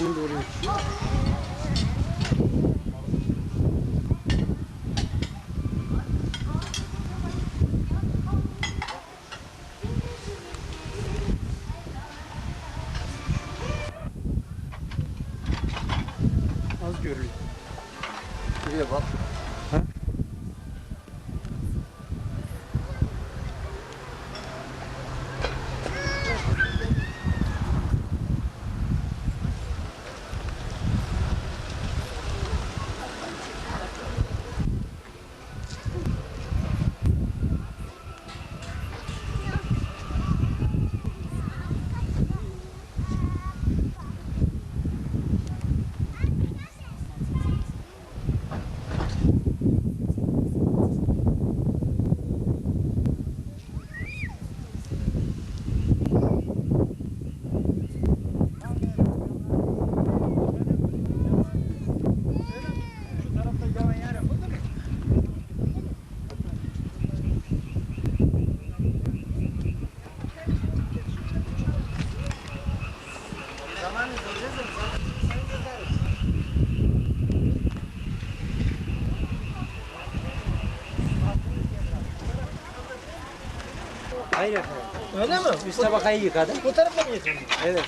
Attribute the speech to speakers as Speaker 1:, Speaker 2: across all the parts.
Speaker 1: Emin doğruyum. Az görülüyor.
Speaker 2: Şuraya bak.
Speaker 1: Ha?
Speaker 3: Hayır efendim.
Speaker 2: Öyle mi?
Speaker 3: Üst tabakayı yıkadım.
Speaker 2: Bu tarafa mı getirdin?
Speaker 3: Evet.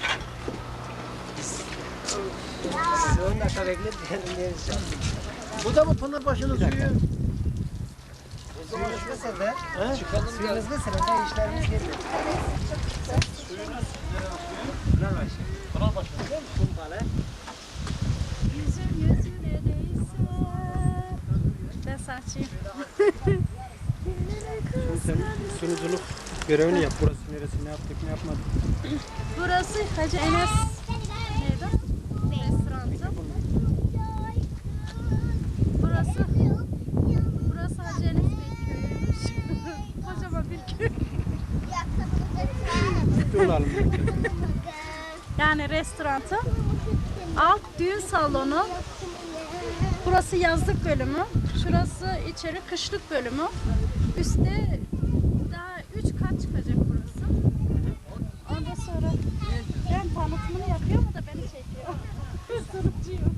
Speaker 3: Siz 10 dakika bekleyin.
Speaker 2: Bu da mı Pınarbaşı'nın suyu?
Speaker 3: Suyunuz mesela.
Speaker 2: Çıkalım.
Speaker 3: Suyunuz mesela işlerimiz geliyor. Pınarbaşı.
Speaker 2: Pınarbaşı.
Speaker 3: Kumpalı.
Speaker 4: Yüzüm yüzüne değse ben saçayım.
Speaker 1: Şimdi sen sunuculuk görevini yap. Burası neresi, ne yaptık, ne yapmadık.
Speaker 4: Burası Hacı Enes neydi? Restoranı. Burası Hacı Enes Bey köyüymüş. Kocaman bir köy.
Speaker 1: Yol
Speaker 4: Yani restoranı. Alt düğün salonu. Burası yazlık bölümü. Şurası içeri kışlık bölümü. Üstte daha 3 kat çıkacak burası. Ondan sonra ben tanıtımını yapıyorum o da beni çekiyor. Sınıfçıyım.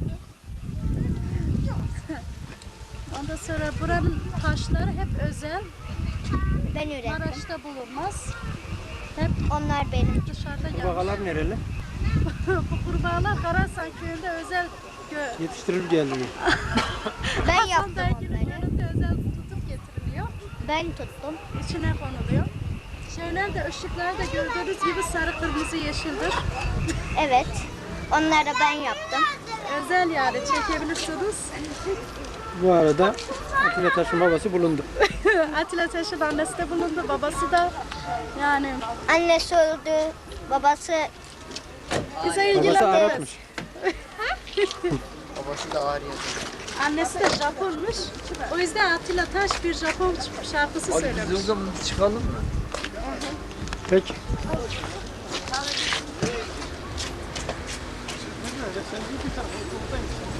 Speaker 4: Ondan sonra buranın taşları hep özel.
Speaker 5: Ben ürettim.
Speaker 4: Maraş'ta bulunmaz. Hep
Speaker 5: Onlar benim.
Speaker 4: dışarıda gelmiş.
Speaker 1: Kurbağalar nereli?
Speaker 4: Bu kurbağalar Karasan köyünde özel
Speaker 1: Yetiştirir geldi.
Speaker 5: Ben
Speaker 4: Hasan
Speaker 5: yaptım
Speaker 4: Dergi'nin
Speaker 5: onları.
Speaker 4: yanında özel tutup getiriliyor.
Speaker 5: Ben tuttum.
Speaker 4: İçine konuluyor. Şeyler de ışıklar da gördüğünüz gibi sarı kırmızı yeşildir.
Speaker 5: Evet. Onları da ben yaptım.
Speaker 4: Özel yani çekebilirsiniz.
Speaker 1: Bu arada Atilla Taş'ın babası bulundu.
Speaker 4: Atilla Taş'ın annesi de bulundu, babası da yani
Speaker 5: Annesi öldü. Babası
Speaker 4: bize
Speaker 1: Babası
Speaker 4: ilgilenmez.
Speaker 1: Arapmış.
Speaker 2: Babası da ağrıyor.
Speaker 4: Annesi de Japonmuş. O yüzden Atilla Taş bir Japon şarkısı
Speaker 2: Hadi biz o
Speaker 4: söylemiş.
Speaker 2: zaman çıkalım mı?
Speaker 1: Peki.
Speaker 2: Sen bir tarafa